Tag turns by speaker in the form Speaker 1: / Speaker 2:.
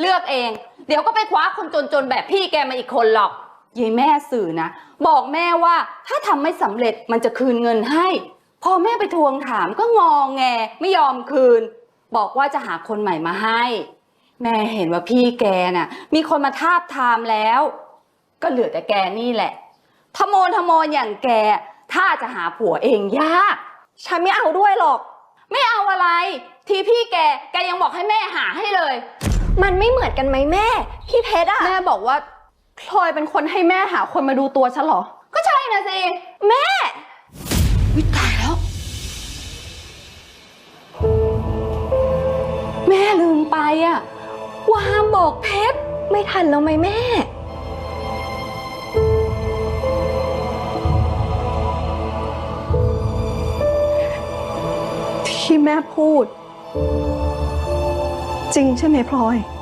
Speaker 1: เลือกเองเดี๋ยวก็ไปคว้าคนจนๆแบบพี่แกมาอีกคนหรอกยายแม่สื่อนะบอกแม่ว่าถ้าทำไม่สำเร็จมันจะคืนเงินให้พอแม่ไปทวงถามก็งอแงไม่ยอมคืนบอกว่าจะหาคนใหม่มาให้แม่เห็นว่าพี่แกน่ะมีคนมาทาบทามแล้วก็เหลือแต่แกนี่แหละทะโมนอย่างแกถ้าจะหาผัวเองยาก
Speaker 2: ฉันไม่เอาด้วยหรอก
Speaker 1: ไม่เอาอะไรทีพี่แกยังบอกให้แม่หาให้เลย
Speaker 2: มันไม่เหมือนกันไหมแม่พี่เพชรอะ
Speaker 3: แม่บอกว่าพลอยเป็นคนให้แม่หาคนมาดูตัวฉันเหรอ
Speaker 1: ก็ใช่นะสิ
Speaker 2: แม่
Speaker 1: วิตายแล้วแม่ลืมไปอะว่าห้ามบอกเพชร
Speaker 2: ไม่ทันแล้วไหมแม่
Speaker 3: ที่แม่พูดจริงใช่ไหมพลอย